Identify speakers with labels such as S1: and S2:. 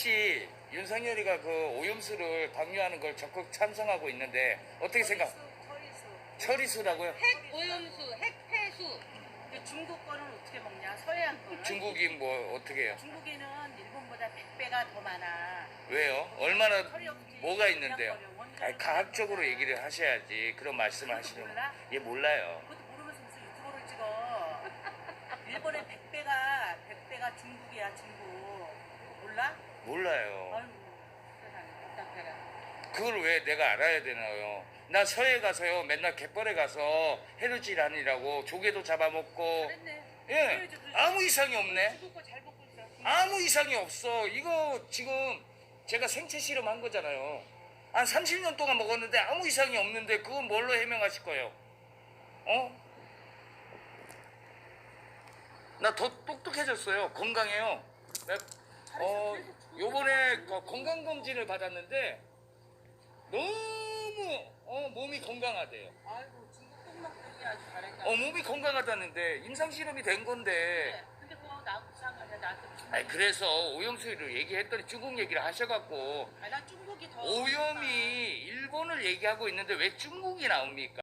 S1: 혹시 윤석열이가 그 오염수를 방류하는 걸 적극 찬성하고 있는데 어떻게 생각? 처리수라고요?
S2: 핵 오염수, 핵 폐수.
S3: 근데 중국 거는 어떻게 먹냐? 서해안 거는.
S1: 중국이 뭐 어떻게 해요?
S3: 중국에는 일본보다 100배가 더 많아.
S1: 왜요? 얼마나
S3: 처리 없이
S1: 뭐가 있는데요?
S3: 그냥 버려. 원자로
S1: 아니, 과학적으로 얘기를 하셔야지. 그런 말씀을
S3: 그것도
S1: 하시면
S3: 몰라?
S1: 얘 몰라요.
S3: 그것도 모르면서 무슨 유튜브를 찍어. 일본의 100배가 중국이야, 중국. 몰라?
S1: 몰라요.
S3: 아이고, 세상에, 답답해라.
S1: 그걸 왜 내가 알아야 되나요? 나 서해 가서요 맨날 갯벌에 가서 해루질 하느라고 조개도 잡아먹고
S3: 잘했네.
S1: 예
S3: 그래야지, 그래야지.
S1: 아무 이상이 없네.
S3: 중국 거 잘 먹고 있어.
S1: 아무 이상이 없어. 이거 지금 제가 생체 실험한 거잖아요. 한 30년 동안 먹었는데 아무 이상이 없는데 그건 뭘로 해명하실 거예요? 어? 나 더 똑똑해졌어요. 건강해요. 요번에 건강검진을 받았는데 너무 몸이 건강하대요.
S3: 아이고, 중국 똥 먹더니 아주 잘했다.
S1: 몸이 건강하다는데 임상실험이 된 건데
S3: 근데 그거 나하고 이상하냐? 나한테 무슨.
S1: 아니 그래서 오염수를 얘기했더니 중국 얘기를 하셔갖고
S3: 나 중국이 더.
S1: 오염이 일본을 얘기하고 있는데 왜 중국이 나옵니까?